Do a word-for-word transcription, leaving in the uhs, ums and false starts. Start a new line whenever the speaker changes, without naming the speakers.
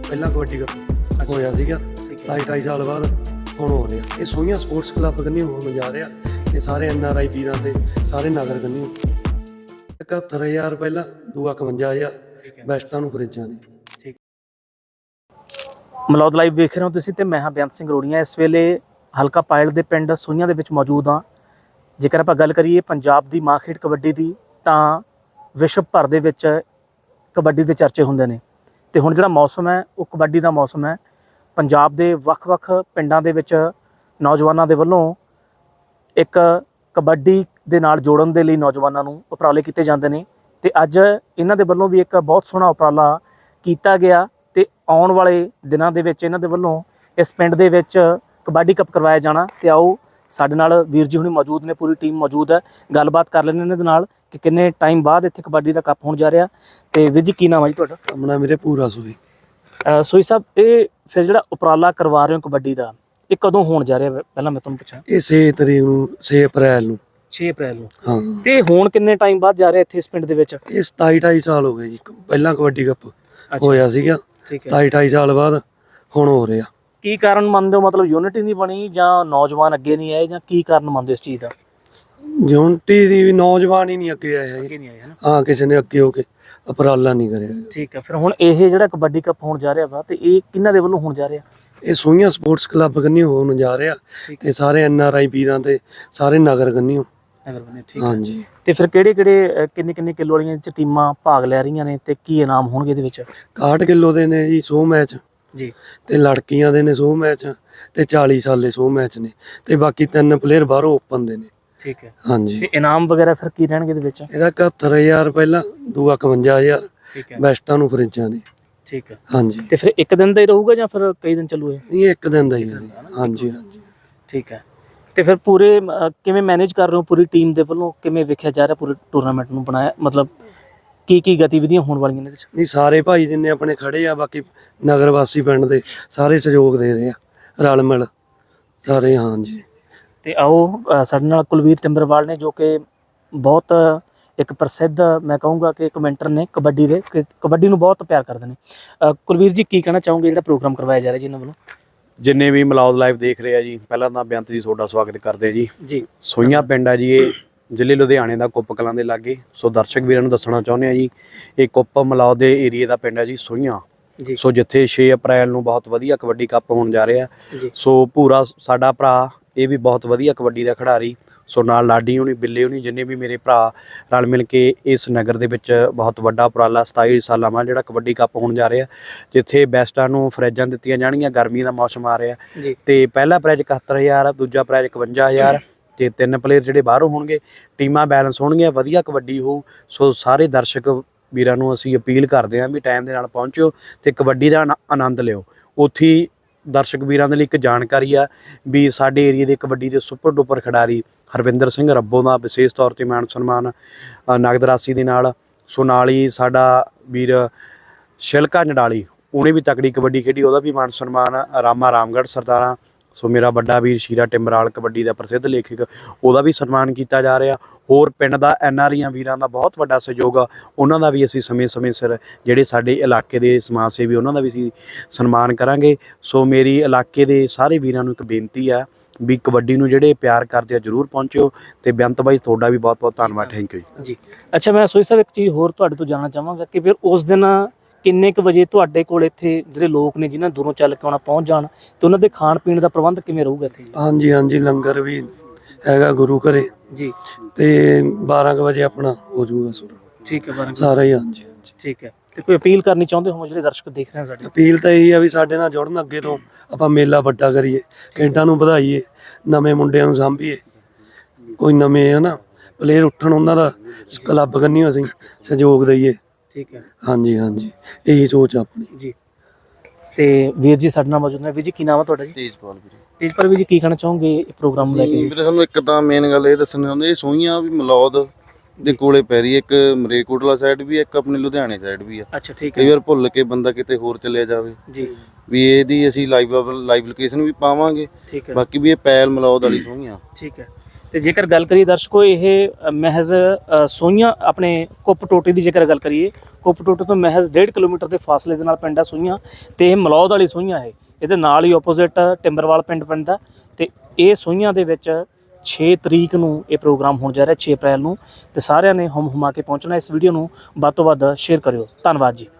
ਪਹਿਲਾਂ ਕਬੱਡੀ ਕੱਪ ਹੋਇਆ ਸੀਗਾ ਢਾਈ ਢਾਈ ਸਾਲ ਬਾਅਦ ਹੁਣ ਹੋ ਰਿਹਾ। ਇਹ ਸੋਹੀਆਂ ਸਪੋਰਟਸ ਕਲੱਬ ਕੰਨੀ ਹੋਣ ਜਾ ਰਿਹਾ ਤੇ ਸਾਰੇ ਐਨ ਆਰ ਆਈ ਵੀਰਾਂ ਦੇ ਸਾਰੇ ਨਗਰ ਕੰਨੀ ਇਕਹੱਤਰ ਹਜ਼ਾਰ ਪਹਿਲਾਂ ਦੂਆ ਇਕਵੰਜਾ ਹਜ਼ਾਰ ਬੈਸਟਾਂ ਨੂੰ ਫਰਿੱਜਾਂ ਨੇ।
ਮਲੌਦ ਲਾਈਵ ਵੇਖ ਰਹੇ ਹੋ ਤੁਸੀਂ ਤੇ ਮੈਂ ਹਾਂ ਬੇਅੰਤ ਸਿੰਘ ਰੋੜੀਆਂ। ਇਸ ਵੇਲੇ ਹਲਕਾ ਪਾਇਲ ਦੇ ਪਿੰਡ ਸੋਹੀਆਂ ਦੇ ਵਿੱਚ ਮੌਜੂਦ ਹਾਂ। ਜੇਕਰ ਆਪਾਂ ਗੱਲ ਕਰੀਏ ਪੰਜਾਬ ਦੀ ਮਾਂ ਖੇਡ ਕਬੱਡੀ ਦੀ ਤਾਂ ਵਿਸ਼ਵ ਭਰ ਦੇ ਵਿੱਚ ਕਬੱਡੀ ਦੇ ਚਰਚੇ ਹੁੰਦੇ ਨੇ ਤੇ ਹੁਣ ਜਿਹੜਾ ਮੌਸਮ ਹੈ ਉਹ ਕਬੱਡੀ ਦਾ ਮੌਸਮ ਹੈ। ਪੰਜਾਬ ਦੇ ਵੱਖ-ਵੱਖ ਪਿੰਡਾਂ ਦੇ ਵਿੱਚ ਨੌਜਵਾਨਾਂ ਦੇ ਵੱਲੋਂ ਇੱਕ ਕਬੱਡੀ ਦੇ ਨਾਲ ਜੋੜਨ ਦੇ ਲਈ ਨੌਜਵਾਨਾਂ ਨੂੰ ਉਪਰਾਲੇ ਕੀਤੇ ਜਾਂਦੇ ਨੇ ਤੇ ਅੱਜ ਇਹਨਾਂ ਦੇ ਵੱਲੋਂ ਵੀ ਇੱਕ ਬਹੁਤ ਸੋਹਣਾ ਉਪਰਾਲਾ ਕੀਤਾ ਗਿਆ ਤੇ ਆਉਣ ਵਾਲੇ ਦਿਨਾਂ ਦੇ ਵਿੱਚ ਇਹਨਾਂ ਦੇ ਵੱਲੋਂ ਇਸ ਪਿੰਡ ਦੇ ਵਿੱਚ ਕਬੱਡੀ ਕੱਪ ਕਰਵਾਇਆ ਜਾਣਾ। ਤੇ ਆਓ ਸਾਡੇ ਨਾਲ ਵੀਰ ਜੀ ਹੁਣੀ ਮੌਜੂਦ ਨੇ, ਪੂਰੀ ਟੀਮ ਮੌਜੂਦ ਹੈ, ਗੱਲਬਾਤ ਕਰ ਲੈਂਦੇ ਇਹਨਾਂ ਦੇ ਨਾਲ ਕਿ ਕਿੰਨੇ ਟਾਈਮ ਬਾਅਦ ਇੱਥੇ ਕਬੱਡੀ ਦਾ ਕੱਪ ਹੋਣ ਜਾ ਰਿਹਾ। ਤੇ ਵੀਰ ਜੀ ਕੀ ਨਾਮ ਹੈ ਜੀ ਤੁਹਾਡਾ?
ਆਪਣਾ ਮੇਰੇ ਪੂਰਾ ਸੂਈ
ਸੋਈ ਸਾਹਿਬ, ਇਹ ਫਿਰ ਜਿਹੜਾ ਉਪਰਾਲਾ ਕਰਵਾ ਰਹੇ ਹੋ ਕਬੱਡੀ ਦਾ ਇਹ ਕਦੋਂ ਹੋਣ ਜਾ ਰਿਹਾ? ਪਹਿਲਾਂ ਮੈਂ ਤੁਹਾਨੂੰ ਪੁੱਛਾਂ।
ਇਹ ਛੇ ਤਰੀਕ ਨੂੰ ਛੇ ਅਪ੍ਰੈਲ ਨੂੰ
ਛੇ ਅਪ੍ਰੈਲ ਨੂੰ।
ਹਾਂ।
ਤੇ ਹੁਣ ਕਿੰਨੇ ਟਾਈਮ ਬਾਅਦ ਜਾ ਰਿਹਾ ਇੱਥੇ ਇਸ ਪਿੰਡ ਦੇ ਵਿੱਚ?
ਇਹ ਸਤਾਈ ਢਾਈ ਸਾਲ ਹੋ ਗਏ ਜੀ ਪਹਿਲਾਂ ਕਬੱਡੀ ਕੱਪ ਹੋਇਆ ਸੀਗਾ ਸਤਾਈ ਢਾਈ ਸਾਲ ਬਾਅਦ ਹੁਣ ਹੋ ਰਿਹਾ।
ਕੀ ਕਾਰਨ ਮੰਨਦੇ ਹੋ? ਮਤਲਬ ਯੂਨਿਟੀ ਨਹੀਂ ਬਣੀ ਜਾਂ ਨੌਜਵਾਨ ਅੱਗੇ ਨਹੀਂ ਆਏ ਜਾਂ ਕੀ ਕਾਰਨ ਮੰਨਦੇ ਹੋ ਇਸ ਚੀਜ਼ ਦਾ?
ਯੂਨਿਟੀ ਦੀ ਵੀ ਨੌਜਵਾਨ ਹੀ ਨਹੀਂ ਅੱਗੇ ਆਏ ਹੈਗੇ।
ਅੱਗੇ ਨਹੀਂ ਆਏ ਹੈ ਨਾ।
ਹਾਂ, ਕਿਸੇ ਨੇ ਅੱਗੇ ਹੋ ਕੇ ਉਪਰਾਲਾ ਨਹੀਂ ਕਰਿਆ।
ਠੀਕ ਹੈ। ਫਿਰ ਹੁਣ ਇਹ ਜਿਹੜਾ ਕਬੱਡੀ ਕੱਪ ਹੋਣ ਜਾ ਰਿਹਾ ਵਾ ਤੇ ਇਹ ਕਿਹਨਾਂ ਦੇ ਵੱਲੋਂ ਹੋਣ ਜਾ ਰਿਹਾ?
ਇਹ ਸੋਹੀਆਂ ਸਪੋਰਟਸ ਕਲੱਬ ਕੰਨੀ ਹੋਣ ਜਾ ਰਿਹਾ ਤੇ ਸਾਰੇ ਐਨ ਆਰ ਆਈ ਵੀਰਾਂ ਦੇ ਸਾਰੇ ਨਗਰ ਕੰਨੀ।
ਠੀਕ
ਹਾਂਜੀ।
ਤੇ ਫਿਰ ਕਿਹੜੇ ਕਿਹੜੇ ਕਿੰਨੇ ਕਿੰਨੇ ਕਿਲੋ ਵਾਲੀਆਂ ਚ ਟੀਮਾਂ ਭਾਗ ਲੈ ਰਹੀਆਂ ਨੇ ਤੇ ਕੀ ਇਨਾਮ ਹੋਣਗੇ ਇਹਦੇ ਵਿੱਚ?
ਇਕਾਹਠ ਕਿਲੋ ਦੇ ਨੇ ਜੀ ਸੌ ਮੈਚ
ਜੀ
ਤੇ ਲੜਕੀਆਂ ਦੇ ਨੇ ਸੌ ਮੈਚ ਤੇ ਚਾਲੀ ਸਾਲੇ ਸੌ ਮੈਚ ਨੇ ਤੇ ਬਾਕੀ ਤਿੰਨ ਪਲੇਅਰ ਬਾਹਰੋਂ ਓਪਨ ਦੇ ਨੇ।
ਠੀਕ ਹੈ।
ਹਾਂਜੀ।
ਤੇ ਇਨਾਮ ਵਗੈਰਾ ਫਿਰ ਕੀ ਰਹਿਣਗੇ ਇਹਦੇ ਵਿੱਚ?
ਇਹਦਾ ਇਕਹੱਤਰ ਹਜ਼ਾਰ ਪਹਿਲਾਂ ਦੂਆ ਇਕਵੰਜਾ ਹਜ਼ਾਰ
ਠੀਕ ਹੈ।
ਬੈਸਟਾਂ ਨੂੰ ਫਰਿੱਜਾਂ ਨੇ।
ਠੀਕ ਹੈ।
ਹਾਂਜੀ।
ਤੇ ਫਿਰ ਇੱਕ ਦਿਨ ਦਾ ਹੀ ਰਹੂਗਾ ਜਾਂ ਫਿਰ ਕਈ ਦਿਨ ਚੱਲੂ ਇਹ?
ਇਹ ਇੱਕ ਦਿਨ ਦਾ ਹੀ ਹੈ ਜੀ। ਹਾਂਜੀ ਹਾਂਜੀ।
ਠੀਕ ਹੈ। ਤੇ ਫਿਰ ਪੂਰੇ ਕਿਵੇਂ ਮੈਨੇਜ ਕਰ ਰਹੇ ਹੋ? ਪੂਰੀ ਟੀਮ ਦੇ ਵੱਲੋਂ ਕਿਵੇਂ ਵੇਖਿਆ ਜਾ ਰਿਹਾ ਪੂਰੇ ਟੂਰਨਾਮੈਂਟ ਨੂੰ ਬਣਾਇਆ? ਮਤਲਬ ਕੀ ਕੀ ਗਤੀਵਿਧੀਆਂ ਹੋਣ ਵਾਲੀਆਂ ਨੇ ਇਹਦੇ 'ਚ?
ਨਹੀਂ, ਸਾਰੇ ਭਾਈ ਜਿੰਨੇ ਆਪਣੇ ਖੜੇ ਆ ਬਾਕੀ ਨਗਰ ਵਾਸੀ ਪਿੰਡ ਦੇ ਸਾਰੇ ਸਹਿਯੋਗ ਦੇ ਰਹੇ ਆ ਰਲ ਮਿਲ ਸਾਰੇ। ਹਾਂਜੀ।
ਤੇ ਆਓ ਸਾਡੇ ਨਾਲ ਕੁਲਵੀਰ ਟਿੰਬਰਵਾਲ ਨੇ ਜੋ ਕਿ ਬਹੁਤ ਇੱਕ ਪ੍ਰਸਿੱਧ ਮੈਂ ਕਹੂੰਗਾ ਕਿ ਕਮੈਂਟਰ ਨੇ ਕਬੱਡੀ ਦੇ, ਕਿ ਕਬੱਡੀ ਨੂੰ ਬਹੁਤ ਪਿਆਰ ਕਰਦੇ ਨੇ। ਕੁਲਵੀਰ ਜੀ ਕੀ ਕਹਿਣਾ ਚਾਹੋਗੇ ਜਿਹੜਾ ਪ੍ਰੋਗਰਾਮ ਕਰਵਾਇਆ ਜਾ ਰਿਹਾ ਜੀ ਇਹਨਾਂ ਵੱਲੋਂ?
ਜਿੰਨੇ ਵੀ ਮਲੌਦ ਲਾਈਵ ਦੇਖ ਰਹੇ ਆ ਜੀ, ਪਹਿਲਾਂ ਤਾਂ ਬੇਅੰਤ ਜੀ ਤੁਹਾਡਾ ਸਵਾਗਤ ਕਰਦੇ ਜੀ।
ਜੀ।
ਸੋਹੀਆਂ ਪਿੰਡ ਆ ਜੀ, ਇਹ ਜ਼ਿਲ੍ਹੇ ਲੁਧਿਆਣੇ ਦਾ ਕੁੱਪ ਕਲਾਂ ਦੇ ਲਾਗੇ। ਸੋ ਦਰਸ਼ਕ ਵੀਰਾਂ ਨੂੰ ਦੱਸਣਾ ਚਾਹੁੰਦੇ ਆ ਜੀ, ਇਹ ਕੁੱਪ ਮਲੌਦ ਦੇ ਏਰੀਏ ਦਾ ਪਿੰਡ ਹੈ ਜੀ ਸੋਹੀਆਂ। ਸੋ ਜਿੱਥੇ ਛੇ ਅਪ੍ਰੈਲ ਨੂੰ ਬਹੁਤ ਵਧੀਆ ਕਬੱਡੀ ਕੱਪ ਹੋਣ ਜਾ ਰਿਹਾ। ਸੋ ਪੂਰਾ ਸਾਡਾ ਭਰਾ ਇਹ ਵੀ ਬਹੁਤ ਵਧੀਆ ਕਬੱਡੀ ਦਾ ਖਿਡਾਰੀ। ਸੋ ਨਾਲ ਲਾਡੀ ਹੋਣੀ, ਬਿੱਲੇ ਹੋਣੀ, ਜਿੰਨੇ ਵੀ ਮੇਰੇ ਭਰਾ ਰਲ ਮਿਲ ਕੇ ਇਸ ਨਗਰ ਦੇ ਵਿੱਚ ਬਹੁਤ ਵੱਡਾ ਉਪਰਾਲਾ ਸਤਾਈ ਸਾਲਾਂ ਬਾਅਦ ਜਿਹੜਾ ਕਬੱਡੀ ਕੱਪ ਹੋਣ ਜਾ ਰਿਹਾ, ਜਿੱਥੇ ਬੈਸਟਾਂ ਨੂੰ ਫਰਿੱਜਾਂ ਦਿੱਤੀਆਂ ਜਾਣਗੀਆਂ। ਗਰਮੀ ਦਾ ਮੌਸਮ ਆ ਰਿਹਾ ਤੇ ਪਹਿਲਾ ਪ੍ਰਾਈਜ਼ ਇਕਹੱਤਰ ਹਜ਼ਾਰ, ਦੂਜਾ ਪ੍ਰਾਈਜ਼ ਇਕਵੰਜਾ ਹਜ਼ਾਰ ਤੇ ਤਿੰਨ ਪਲੇਅਰ ਜਿਹੜੇ ਬਾਹਰੋਂ ਹੋਣਗੇ। ਟੀਮਾਂ ਬੈਲੈਂਸ ਹੋਣਗੀਆਂ, ਵਧੀਆ ਕਬੱਡੀ ਹੋਊ। ਸੋ ਸਾਰੇ ਦਰਸ਼ਕ ਵੀਰਾਂ ਨੂੰ ਅਸੀਂ ਅਪੀਲ ਕਰਦੇ ਹਾਂ ਵੀ ਟਾਈਮ ਦੇ ਨਾਲ ਪਹੁੰਚੋ ਤੇ ਕਬੱਡੀ ਦਾ ਆਨੰਦ ਲਿਓ। ਉੱਥੇ ਦਰਸ਼ਕ ਵੀਰਾਂ ਦੇ ਲਈ ਇੱਕ ਜਾਣਕਾਰੀ ਆ ਵੀ ਸਾਡੇ ਏਰੀਏ ਦੇ ਕਬੱਡੀ ਦੇ ਸੁਪਰ ਡੁਪਰ ਖਿਡਾਰੀ ਹਰਵਿੰਦਰ ਸਿੰਘ ਰੱਬੋ ਦਾ ਵਿਸ਼ੇਸ਼ ਤੌਰ 'ਤੇ ਮਾਣ ਸਨਮਾਨ ਨਗਦ ਰਾਸ਼ੀ ਦੇ ਨਾਲ। ਸੋ ਨਾਲ ਹੀ ਸਾਡਾ ਵੀਰ ਸ਼ਿਲਕਾ ਨਡਾਲੀ, ਉਹਨੇ ਵੀ ਤਕੜੀ ਕਬੱਡੀ ਖੇਡੀ, ਉਹਦਾ ਵੀ ਮਾਣ ਸਨਮਾਨ। ਰਾਮਾ ਰਾਮਗੜ੍ਹ ਸਰਦਾਰਾਂ, ਸੋ ਮੇਰਾ ਵੱਡਾ ਵੀਰ ਸ਼ੀਰਾ ਟਿੰਬਰਾਲ ਕਬੱਡੀ ਦਾ ਪ੍ਰਸਿੱਧ ਲੇਖਕ, ਉਹਦਾ ਵੀ ਸਨਮਾਨ ਕੀਤਾ ਜਾ ਰਿਹਾ। ਹੋਰ ਪਿੰਡ ਦਾ ਐਨ ਆਰ ਆਈਆਂ ਵੀਰਾਂ ਦਾ ਬਹੁਤ ਵੱਡਾ ਸਹਿਯੋਗ ਆ, ਉਹਨਾਂ ਦਾ ਵੀ ਅਸੀਂ ਸਮੇਂ ਸਮੇਂ ਸਿਰ ਜਿਹੜੇ ਸਾਡੇ ਇਲਾਕੇ ਦੇ ਸਮਾਜ ਸੇਵੀ ਉਹਨਾਂ ਦਾ ਵੀ ਅਸੀਂ ਸਨਮਾਨ ਕਰਾਂਗੇ। ਸੋ ਮੇਰੀ ਇਲਾਕੇ ਦੇ ਸਾਰੇ ਵੀਰਾਂ ਨੂੰ ਇੱਕ ਬੇਨਤੀ ਆ ਵੀ ਕਬੱਡੀ ਨੂੰ ਜਿਹੜੇ ਪਿਆਰ ਕਰਦੇ ਆ ਜ਼ਰੂਰ ਪਹੁੰਚਿਓ। ਤੇ ਬੇਅੰਤ ਬਾਈ ਤੁਹਾਡਾ ਵੀ ਬਹੁਤ ਬਹੁਤ ਧੰਨਵਾਦ। ਥੈਂਕ ਯੂ ਜੀ।
ਅੱਛਾ, ਮੈਂ ਸੋਈ ਸਾਹਿਬ ਇੱਕ ਚੀਜ਼ ਹੋਰ ਤੁਹਾਡੇ ਤੋਂ ਜਾਣਨਾ ਚਾਹਾਂਗਾ ਕਿ ਫਿਰ ਉਸ ਦਿਨ ਕਿੰਨੇ ਕੁ ਵਜੇ ਤੁਹਾਡੇ ਕੋਲ ਇੱਥੇ ਜਿਹੜੇ ਲੋਕ ਨੇ ਜਿਨ੍ਹਾਂ ਦੂਰੋਂ ਚੱਲ ਕੇ ਆਉਣਾ ਪਹੁੰਚ ਜਾਣ ਤੇ ਉਹਨਾਂ ਦੇ ਖਾਣ ਪੀਣ ਦਾ ਪ੍ਰਬੰਧ ਕਿਵੇਂ ਰਹੂਗਾ ਇੱਥੇ?
ਹਾਂਜੀ ਹਾਂਜੀ, ਲੰਗਰ ਵੀ ਹੈਗਾ ਗੁਰੂ ਘਰੇ
ਜੀ
ਤੇ ਬਾਰਾਂ ਕੁ ਵਜੇ ਆਪਣਾ ਹੋ ਜਾਊਗਾ ਸੁਰ।
ਠੀਕ ਹੈ। ਬਾਰਾਂ
ਸਾਰਾ ਹੀ। ਹਾਂਜੀ ਹਾਂਜੀ।
ਠੀਕ ਹੈ। ਤੇ ਕੋਈ ਅਪੀਲ ਕਰਨੀ ਚਾਹੁੰਦੇ ਹੋ ਜਿਹੜੇ ਦਰਸ਼ਕ ਦੇਖ ਰਹੇ ਹਨ ਸਾਡੇ?
ਅਪੀਲ ਤਾਂ ਇਹੀ ਆ ਵੀ ਸਾਡੇ ਨਾਲ ਜੁੜਨ, ਅੱਗੇ ਤੋਂ ਆਪਾਂ ਮੇਲਾ ਵੱਡਾ ਕਰੀਏ, ਖੇਡਾਂ ਨੂੰ ਵਧਾਈਏ, ਨਵੇਂ ਮੁੰਡਿਆਂ ਨੂੰ ਸਾਂਭੀਏ, ਕੋਈ ਨਵੇਂ ਹੈ ਨਾ ਪਲੇਅਰ ਉੱਠਣ, ਉਹਨਾਂ ਦਾ ਕਲੱਬ ਕੰਨੀ ਅਸੀਂ ਸਹਿਯੋਗ ਦਈਏ।
ਠੀਕ ਹੈ।
ਹਾਂਜੀ ਹਾਂਜੀ, ਇਹੀ ਸੋਚ ਆਪਣੀ
ਜੀ। ਤੇ ਵੀਰ ਜੀ ਸਾਡੇ ਨਾਲ ਮੌਜੂਦ ਨੇ। ਵੀਰ ਜੀ ਕੀ ਨਾਮ ਹੈ ਤੁਹਾਡਾ ਜੀ?
ਤੇਜਪਾਲ ਵੀਰੇ।
ਤੇਜਪਾਲ ਵੀਰ ਜੀ ਕੀ ਕਹਿਣਾ ਚਾਹੋਗੇ ਇਹ ਪ੍ਰੋਗਰਾਮ ਲੈ ਕੇ ਜੀ?
ਵੀਰੇ ਸਾਨੂੰ ਇੱਕ ਤਾਂ ਮੇਨ ਗੱਲ ਇਹ ਦੱਸਣੀ ਚਾਹੁੰਦੇ, ਇਹ ਸੋਹੀਆਂ ਵੀ ਮਲੌਦ ਦੇ ਕੋਲੇ ਪੈ ਰਹੀ, ਇੱਕ ਮਰੇਕੋਟਲਾ ਸਾਈਡ ਵੀ, ਇੱਕ ਆਪਣੇ ਲੁਧਿਆਣੇ ਸਾਈਡ ਵੀ ਆ।
ਅੱਛਾ। ਠੀਕ ਹੈ।
ਕਈ ਵਾਰ ਭੁੱਲ ਕੇ ਬੰਦਾ ਕਿਤੇ ਹੋਰ ਚਲਿਆ ਜਾਵੇ
ਜੀ
ਵੀ ਇਹਦੀ ਅਸੀਂ ਲਾਈਵ ਲਾਈਵ ਲੋਕੇਸ਼ਨ ਵੀ ਪਾਵਾਂਗੇ।
ਠੀਕ ਹੈ।
ਬਾਕੀ ਵੀ ਇਹ ਪੈਲ ਮਲੌਦ ਵਾਲੀ ਸੋਹੀਆਂ।
ਠੀਕ ਹੈ। ਤੇ ਜੇਕਰ ਗੱਲ ਕਰੀਏ ਦਰਸ਼ਕੋ, ਇਹ ਅ, ਮਹਿਜ਼ ਅ, ਸੋਹੀਆਂ ਆਪਣੇ ਕੁੱਪ ਟੋਟੇ ਦੀ ਜੇਕਰ ਗੱਲ ਕਰੀਏ, ਕੁੱਪ ਟੋਟੇ ਤੋਂ ਮਹਿਜ਼ ਡੇਢ ਕਿਲੋਮੀਟਰ ਦੇ ਫਾਸਲੇ ਦੇ ਨਾਲ ਪਿੰਡ ਆ ਸੋਹੀਆਂ, ਤੇ ਇਹ ਮਲੌਦ ਵਾਲੀ ਸੋਹੀਆਂ ਹੈ। ਇਹਦੇ ਨਾਲ ਹੀ ਆਪੋਜ਼ਿਟ ਟਿੰਬਰਵਾਲ ਪਿੰਡ ਪੈਂਦਾ, ਤੇ ਇਹ ਸੋਹੀਆਂ ਦੇ ਵਿੱਚ ਛੇ ਤਰੀਕ ਨੂੰ ਇਹ ਪ੍ਰੋਗਰਾਮ ਹੋਣ ਜਾ ਰਿਹਾ, ਛੇ ਅਪ੍ਰੈਲ ਨੂੰ, ਤੇ ਸਾਰਿਆਂ ਨੇ ਹੁਮ ਹੁਮਾ ਕੇ ਪਹੁੰਚਣਾ। ਇਸ ਵੀਡੀਓ ਨੂੰ ਵੱਧ ਤੋਂ ਵੱਧ ਸ਼ੇਅਰ ਕਰਿਓ। ਧੰਨਵਾਦ ਜੀ।